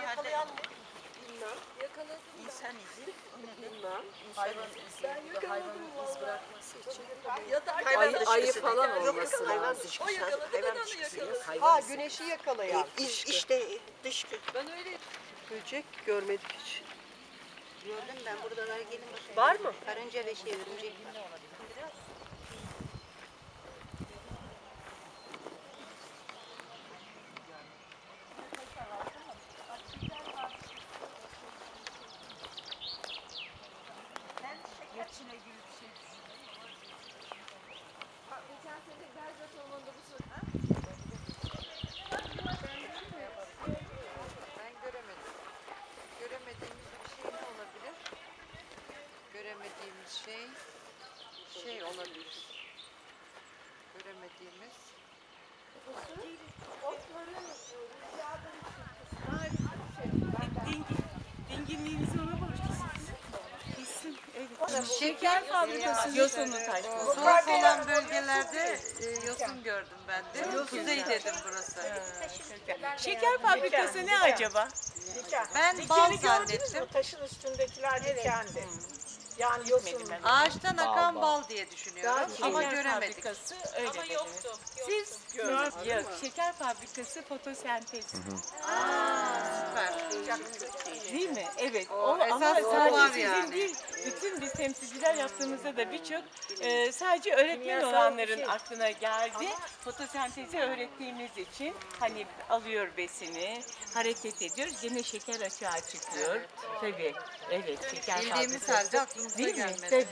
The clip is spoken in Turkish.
yakalayan mı? Bilmem. Yakaladım ben. İnsan izi. Bilmem. Hayvan izi. Ben Bu da yakaladım hayvanın iz vallahi. bırakması için. Ya da Hayvan Ayı dışkısı falan dedi. olması Yok, lazım. hayvan o dışkısı. yakaladı, ben Hayvan onu dışkısı. yakaladım. Hayvan Ha izi. güneşi yakalayan. İşte dışkı. Ben öyle Böcek görmedik hiç. Gördüm ben buradalar gelin bakın. Var mı? Karınca ve örümcek var. Ben göremedim. Göremediğimiz bir şey ne olabilir? Göremediğimiz şey olabilir. Göremediğimiz. Dinginliğinizi ona borçlusunuz. Kesin, evet. Şeker fabrikası yosunu taşması. Soğuk olan bölgelerde yosun gördüm ben de. Kuzey dedim burası. Şeker fabrikası ne acaba? Ben bal zannettim. Taşın üstündekiler dikendi. Yani yosun. Ağaçtan akan bal diye düşünüyorum ama Şeker göremedik. fabrikası öyle dedi. Siz yok, şeker fabrikası fotosentez. Süper. Değil mi? Evet. O Ama esas o sadece var sizin yani. değil, bütün biz temsilciler yaptığımızda da birçok sadece öğretmen olanların aklına geldi. Fotosentezi öğrettiğimiz için hani alıyor besini, hareket ediyor, gene şeker açığa çıkıyor. Tabii. Evet, şeker Bildiğimiz fabrikası. halde aklımıza Değil mi? gelmedi. Tabii.